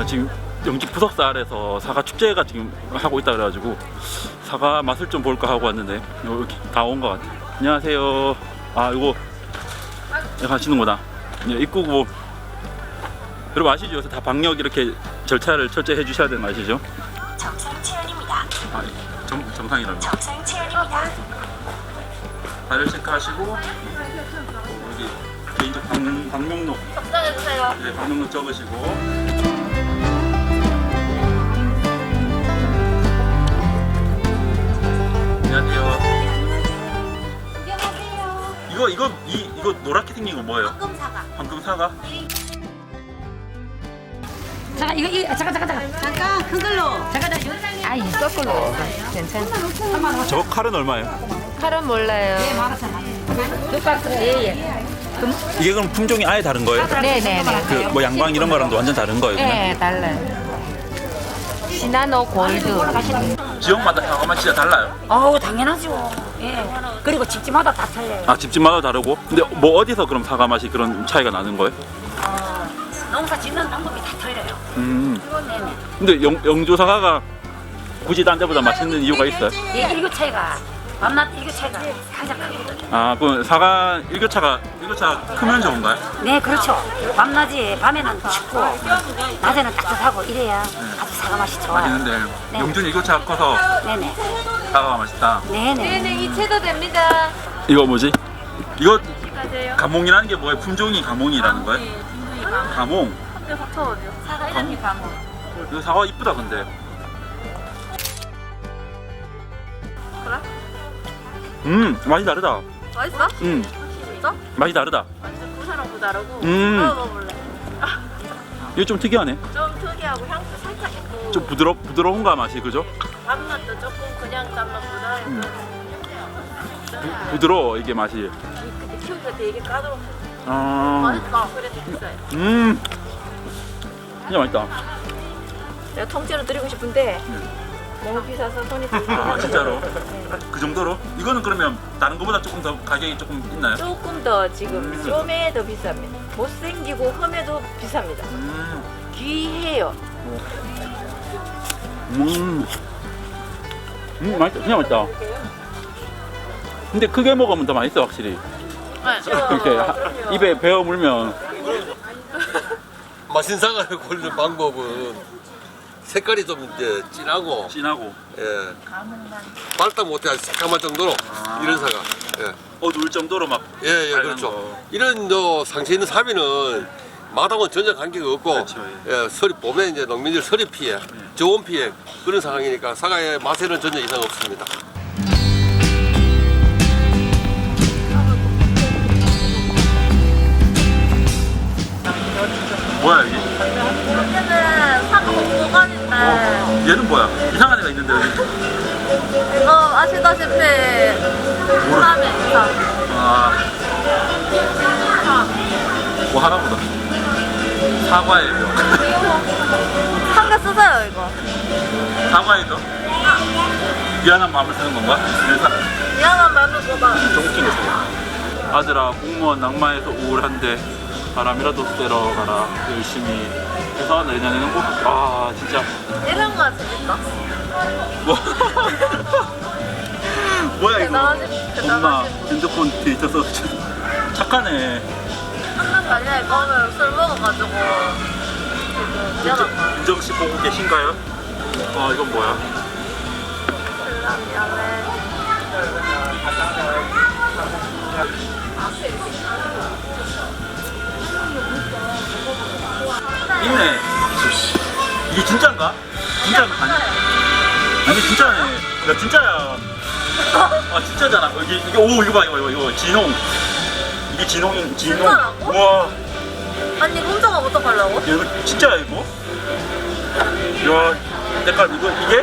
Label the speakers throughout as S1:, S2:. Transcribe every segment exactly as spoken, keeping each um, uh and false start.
S1: 지금 영지 부석사 아래서 사과 축제가 지금 하고 있다 그래가지고 사과 맛을 좀 볼까 하고 왔는데 여기 다 온 것 같아요. 안녕하세요. 아 이거 여기 가시는구나. 네, 입구고. 여러분 아시죠? 요새 다 방역 이렇게 절차를 철저히 해주셔야 되는 거 아시죠?
S2: 정상 체온입니다.
S1: 아, 정, 정상이라면
S2: 정상 체온입니다.
S1: 발열 체크하시고 여기 개인적 방, 방명록
S2: 적당해주세요.
S1: 네, 방명록 적으시고 안녕하세요.
S2: 구경하세요.
S1: 이거 이거 이 이거 노랗게 생긴 거 뭐예요?
S2: 황금 사과.
S1: 방금 사과?
S3: 잠깐 이거 이거 잠깐 잠깐 잠깐
S2: 잠깐 큰 걸로.
S3: 잠깐 잠깐
S4: 아니 거꾸로 괜찮아.
S1: 저 칼은 얼마예요?
S4: 칼은 몰라요.
S3: 똑같은 예예.
S1: 이게 그럼 품종이 아예 다른 거예요?
S4: 네네네.
S1: 그 뭐 양광 이런 거랑도 완전 다른 거예요? 그냥?
S4: 네 달라요. 시나노 골드.
S1: 지역마다 사과만 진짜 달라요?
S3: 어우 당연하죠. 예. 그리고 집집마다 다 틀려요.
S1: 아 집집마다 다르고? 근데 뭐 어디서 그럼 사과 맛이 그런 차이가 나는 거예요?
S3: 어, 농사 짓는 방법이 다 틀려요.
S1: 음.
S3: 네네.
S1: 근데 영, 영주 사과가 굳이 딴 데보다 맛있는 이유가 있어요?
S3: 예, 일교 차이가 밤낮 일교 차이가 가장 크거든요.
S1: 아 그럼 사과 일교차가 일교차가 크면 좋은가요?
S3: 네 그렇죠. 밤낮이 밤에는 춥고 낮에는 따뜻하고 이래야 아주 사과 맛이 좋아요.
S1: 맛있는데
S3: 네.
S1: 영주는 일교차가 커서
S3: 네네.
S1: 사과가 맛있다.
S3: 네네.
S4: 네네 이체도 됩니다.
S1: 이거 뭐지? 이거
S4: 가세요.
S1: 가몽이라는 게 뭐예요? 품종이 가몽이라는 거예요? 가몽.
S4: 학교 서초원이요.
S3: 사과
S1: 이름이
S3: 이름이 가모.
S1: 이거 사과 이쁘다 근데.
S4: 그래?
S1: 음 맛이 다르다.
S4: 맛있어?
S1: 음
S4: 진짜?
S1: 맛이 다르다.
S4: 완전 부산하고 다르고.
S1: 음.
S4: 먹어볼래?
S1: 이거 좀 특이하네.
S4: 좀 특이하고 향도 살짝 있고.
S1: 좀 부드러 부드러운가 맛이 그죠?
S4: 밥맛도 조금 그냥 짠맛보다
S1: 음.
S4: 약간
S1: 부, 부드러워 이게 맛이.
S4: 근데 키우기가 되게 까다롭고
S1: 아,
S4: 맛있다. 그래도 비싸요.
S1: 음, 진짜 맛있다.
S4: 내가 통째로 드리고 싶은데
S1: 음.
S4: 너무 비싸서 손이 들리긴
S1: 아
S4: 하네요.
S1: 진짜로?
S4: 네.
S1: 그 정도로? 이거는 그러면 다른 거보다 조금 더 가격이 조금 있나요?
S4: 조금 더 지금
S1: 음.
S4: 좀에 더 비쌉니다. 못생기고 험해도 비쌉니다.
S1: 음,
S4: 귀해요.
S1: 음, 음 맛있다. 진짜 맛있다. 근데 크게 먹으면 더 맛있어 확실히. 이렇게 하- 입에 베어 물면.
S5: 맛있는 사과를 고르는 방법은 색깔이 좀 이제 진하고
S1: 진하고
S5: 예 빨다 못해 아주 새까만 정도로
S1: 아.
S5: 이런 사과
S1: 어두울 정도로 막.
S5: 예예 예,
S1: 빨간
S5: 그렇죠
S1: 거.
S5: 이런 저 상체 있는 사비는 마당은 전혀 관계가 없고
S1: 그렇죠,
S5: 예 서리 봄에 이제 농민들 서리 피해 저온 피해 그런 상황이니까 사과의 맛에는 전혀 이상 없습니다.
S1: 뭐야 이게?
S4: 여기는 사과 공간인데
S1: 얘는 뭐야? 이상한 애가 있는데 여기.
S4: 이거 아시다시피 사람의 이상
S1: 아, 뭐 하나보다. 사과의 뼈.
S4: 한 개 쓰세요 이거.
S1: 사과의 뼈? 미안한 마음을 쓰는 건가? 그래서
S4: 미안한 마음을 보다.
S1: 좀 웃긴 거 있어요. 아들아 공무원 낙마해서 우울한데 바람이라도 쐬러 가라 열심히 해서 내년에는 꼭. 아 진짜
S4: 이런 거 재밌다.
S1: 뭐 뭐야 이거.
S4: 대단하지?
S1: 엄마
S4: 대단하지?
S1: 핸드폰 데이터 써서 착하네.
S4: 한달 달려 이거는 술 먹어가지고 지금 미안하다.
S1: 윤정 씨 보고 계신가요? 아 이건 뭐야?
S4: 몰라 미안해.
S1: 있네. 이게 진짜인가? 진짜 아니? 아니 진짜네. 야 진짜야. 아 진짜잖아. 이게 이게 오 이거 봐 이거 이거 이거 진홍. 이게 진홍이 진홍.
S4: 진짜라고?
S1: 우와.
S4: 아니 이거 혼자가 어떡하려고?
S1: 야, 이거 진짜야 이거? 야 색깔 이거 이게?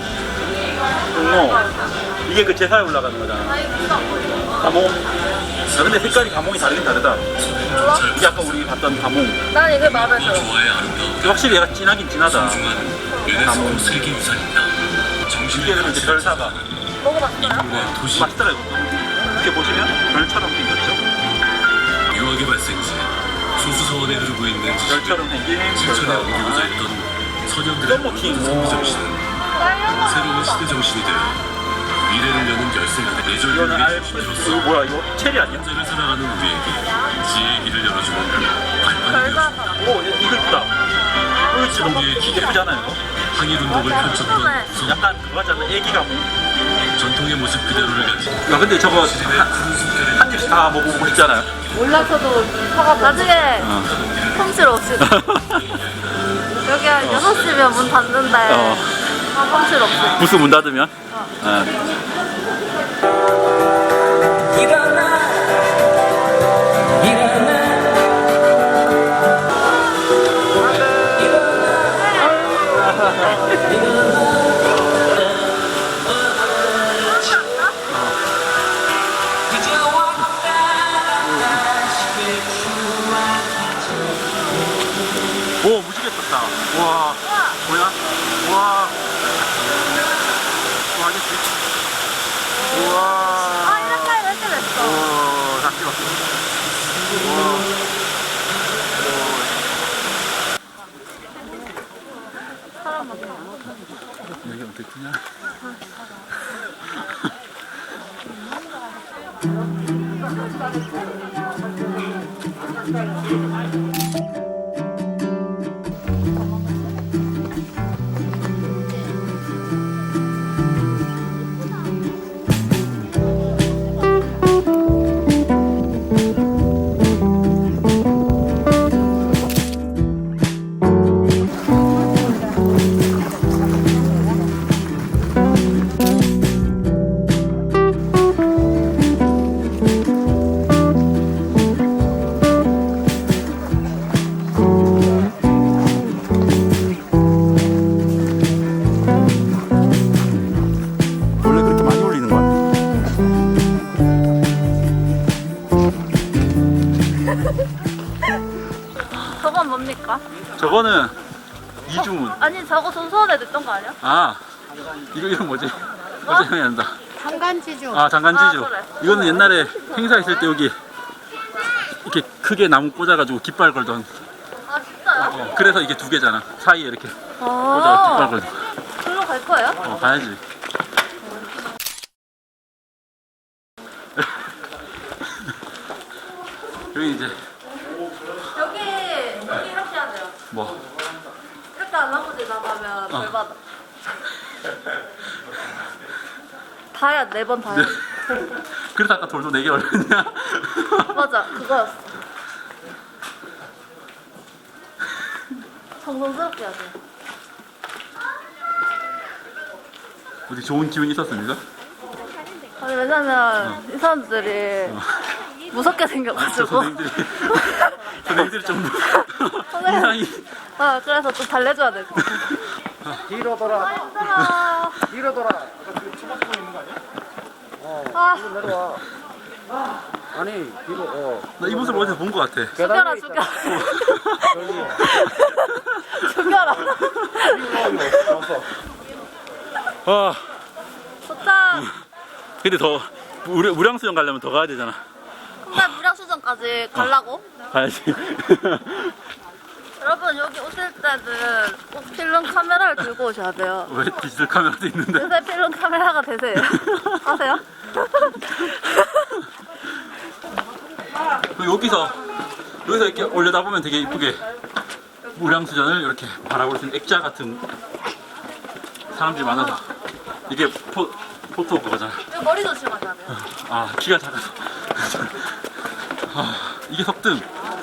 S1: 어. 이게 그 제사에 올라가는 거잖아. 가몽. 야 근데 색깔이 가몽이 다르긴 다르다. 이게 아까 우리 봤던 가몽.
S4: 난 이게 마음에 들어.
S1: 확실히 얘가 진하긴 진하다. 가몽.
S6: 세계유산입니다.
S1: 이게 그럼 이제 별사과.
S4: 먹어봤어요?
S6: 도시
S1: 맛있더라 이것도. 이렇게 보시면 별처럼 생겼죠?
S6: 유학의 발생지 소수 사원에 흐르고 있는
S1: 별처럼 생긴
S6: 실천에
S1: 별사과.
S6: 옮기고자 했던 소년들의
S1: 썸머킹.
S6: 승부 정신은 새로운 시대 정신이 되어 미래를 여는 열쇠가 돼. 내조를
S1: 이거는
S6: 위해
S1: 알
S6: 힘으로써
S1: 이거 뭐야 이거 체리 아니야?
S6: 현재를 살아가는 우리에게 지혜의 길을 열어주는 발판이
S1: 오 이거 이쁘다. 이거 지금 막 예쁘지 않아요? 이거?
S6: 항일운동을 펼쳤던
S1: 약간 그거 같잖아 애기가 뭐.
S6: 전통의 모습 그대로를 가진
S1: 야 근데 저거
S6: 시대의 푸른 숨결에
S1: 한 입씩 다 먹어보고 싶잖아요.
S4: 몰라서도 사과 나중에
S1: 어.
S4: 펌실 없이 여기 한 여섯 시면 문 닫는데
S1: 어.
S4: 펌실 없이
S1: 부스 문 닫으면. 어. 오 무지개 떴다. 와 뭐야? 와. 와 알겠지? 우와.
S4: 아 이렇게 이렇게 됐어
S1: 오, 다 찍었어. 우와.
S4: 사람 많다
S1: 여기 어떻게 크냐? 원래 그렇게 많이 올리는 거야?
S4: 저건 뭡니까?
S1: 저거는 이주문.
S4: 아니 저거 손수원에 됐던 거 아니야?
S1: 아 이거 이름 뭐지? 어제 생각이 난다.
S3: 장간지주.
S1: 아 장간지주.
S4: 아, 그래.
S1: 이거는 옛날에 행사 있을 때 여기 이렇게 크게 나무 꽂아가지고 깃발 걸던.
S4: 아 진짜요?
S1: 어, 그래서 이게 두 개잖아. 사이에 이렇게 꽂아
S4: 아
S1: 깃발 걸던.
S4: 글로 갈 거예요?
S1: 어 가야지. 여기 이제
S4: 여기 여기 이렇게 해야 돼요
S1: 뭐
S4: 이렇게 안 하고 지나가면
S1: 어.
S4: 벌 받아 다야 네 번 다야
S1: 그래서 아까 돌도 네 개 올렸냐?
S4: 맞아 그거였어 정성스럽게 해야 돼
S1: 어디 좋은 기운이 있었습니까?
S4: 아니 왜냐면 이 사람들이 무섭게
S1: 저
S4: 생겨가지고
S1: 선생님들이 선생님들이 좀
S4: 선생님.
S1: 인상이
S4: 아 그래서 좀 달래줘야 돼
S7: 뒤로 돌아.
S4: 아 힘들어
S7: 뒤로 돌아.
S4: 아
S7: 내려와. 아니 뒤로. 어.
S1: 나 이 모습을 어디서 본 것 같아.
S4: 죽여라 죽여라 죽여라
S1: 와
S4: 좋다
S1: 근데 더 무량, 무량수영 가려면 더 가야 되잖아.
S4: 근데 무량수전까지 가려고?
S1: 가야지.
S4: 여러분 여기 오실 때는 꼭 필름 카메라를 들고 오셔야 돼요
S1: 왜 디지털 카메라도 있는데?
S4: 요새 필름 카메라가 되세요 아세요?
S1: 여기서 여기서 이렇게 올려다 보면 되게 이쁘게 무량수전을 이렇게 바라볼 수 있는 액자 같은 사람들이 많아서 이게 포, 포토 그거잖아.
S4: 이거 머리 조심하셔야 돼요
S1: 아 키가 작아서. 아, 이게 석등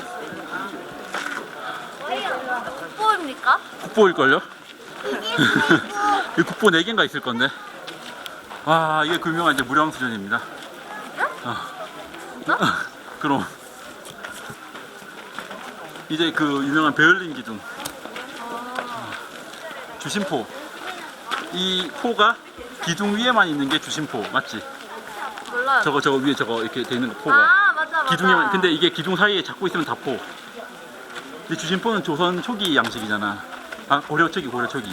S4: 국보입니까?
S1: 국보일걸요? 이 국보 네 개인가 있을 건데. 아 이게 그 유명한 이제 무량수전입니다. 어. 그럼 이제 그 유명한 베를린 기둥 주심포. 이 포가 기둥 위에만 있는 게 주심포 맞지?
S4: 몰라요
S1: 저거 저거 위에 저거 이렇게 돼 있는 거 포가
S4: 아 맞아 맞아
S1: 기둥에만. 근데 이게 기둥 사이에 잡고 있으면 다 포. 근데 주심포는 조선 초기 양식이잖아. 아 고려 초기 고려 초기.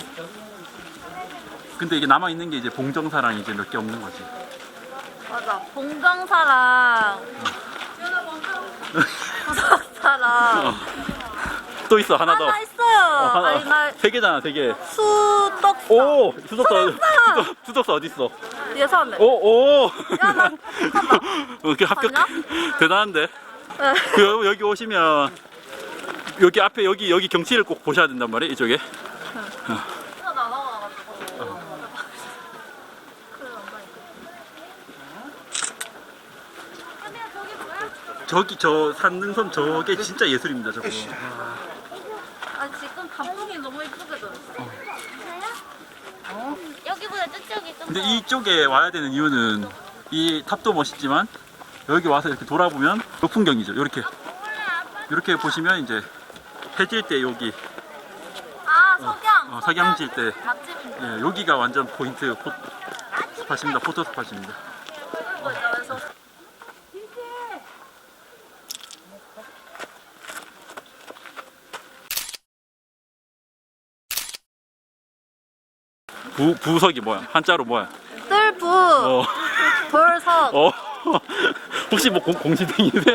S1: 근데 이게 남아 있는 게 이제 봉정사랑 이제 몇 개 없는 거지.
S4: 맞아 봉정사랑 구석사랑
S1: 또 있어 하나 더.
S4: 하나 있어요
S1: 하나.
S4: 아니 나
S1: 세 개잖아, 세 개.
S4: 수떡사.
S1: 오, 수석사,
S4: 수석사!
S1: 수석, 수석사 어디 있어?
S4: 뒤에 사는데.
S1: 오, 오.
S4: 야, 나 잠깐만.
S1: 이렇게 합격.
S4: 맞냐?
S1: 대단한데.
S4: 네.
S1: 그 여- 여기 오시면 여기 앞에 여기 여기 경치를 꼭 보셔야 된단 말이에요. 이쪽에. 저기 저 산능섬 저게 진짜 예술입니다. 저거.
S4: 아 지금 감독이 너무 이쁘게 들었어.
S2: 여기보다 저쪽이 좀
S1: 근데 이쪽에 와야 되는 이유는 이 탑도 멋있지만 여기 와서 이렇게 돌아보면 요 풍경이죠. 이렇게 이렇게 보시면 이제 해질 때 여기
S4: 아 석양.
S1: 어, 석양 질 때
S4: 맛집인데.
S1: 예, 여기가 완전 포인트 포, 스팟입니다. 포토 스팟입니다.
S4: 그래서
S1: 부, 부석이 뭐야? 한자로 뭐야?
S4: 뜰부
S1: 어.
S4: 돌석.
S1: 어. 혹시 뭐 공, 공시생이세요?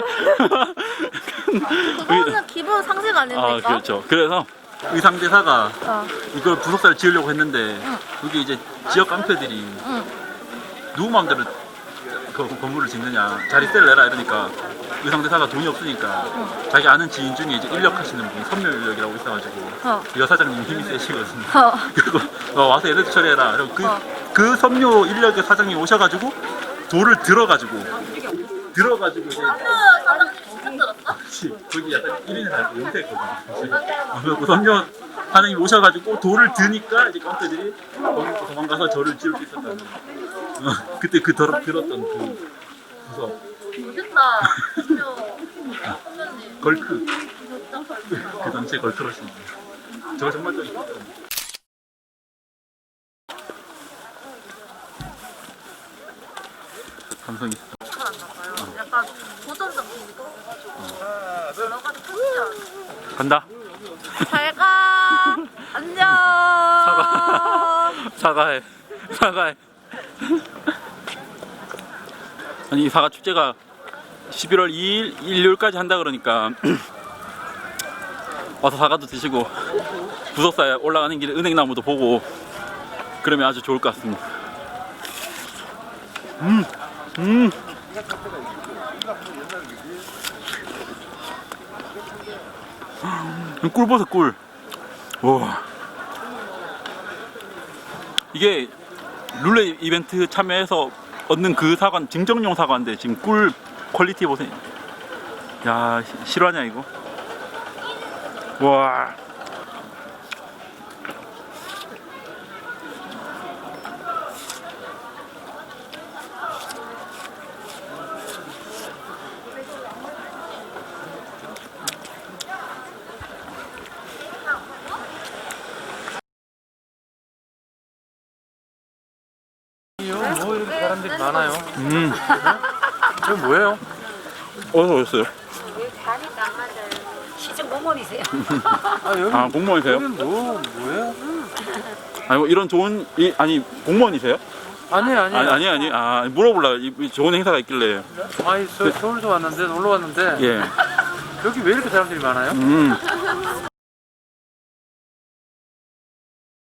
S4: 그거는 기본 상식 아닙니까?
S1: 아, 그렇죠. 그래서 의상대사가
S4: 어.
S1: 이걸 부속사를 지으려고 했는데 여기 이제 지역 깡패들이 누구 마음대로 그 건물을 짓느냐, 자리세를 내라 이러니까 의상대사가 돈이 없으니까 자기 아는 지인 중에 이제 인력 하시는 분이 섬유인력이라고 있어가지고
S4: 어.
S1: 여사장님 힘이 세시거든요.
S4: 어.
S1: 그리고 어, 와서 얘들 처리해라. 그리고 그, 그 섬유 인력의 사장님 오셔가지고 돌을 들어가지고 들어가지고 이제 그렇지. 거기 약간 일 인을 할 때 은퇴했거든요. 그래서 섬유 사장님 오셔가지고 돌을 드니까 이제 깡패들이 거기 도망가서 저를 지을 수 있었다는 어, 그때 그 덜, 들었던 그 부서
S4: 멋있다.
S1: 걸크 그 당시에 걸크러시인데 저거 정말 좀 이뻤어요. 감성이 있어.
S4: 약간 도전적이니까. 여러 가지 크지
S1: 간다.
S4: 잘가. 안녕.
S1: 사과. 사과해. 사과해. 아니 이 사과 축제가 십일월 이일 일요일까지 한다 그러니까 와서 사과도 드시고 부석사에 올라가는 길에 은행나무도 보고 그러면 아주 좋을 것 같습니다. 음, 음. 꿀버섯 꿀. 와. 이게 룰레 이벤트 참여해서 얻는 그 사과는 증정용 사과인데 지금 꿀 퀄리티 보세요. 야, 시- 실화냐 이거? 와.
S7: 뭐 이렇게 사람들이 많아요?
S1: 음.
S7: 이거 뭐예요?
S1: 어디서 오셨어요?
S3: 시청 공무원이세요?
S7: 아 여기
S1: 아, 공무원이세요?
S7: 여기 뭐 뭐예요?
S1: 아니 뭐 이런 좋은 이, 아니 공무원이세요?
S7: 아니 아니
S1: 아니 아니 아니 아 물어보려고 이- 이 좋은 행사가 있길래
S7: 아니 서, 서울서 왔는데 놀러 왔는데
S1: 예.
S7: 여기 왜 이렇게 사람들이 많아요?
S1: 음.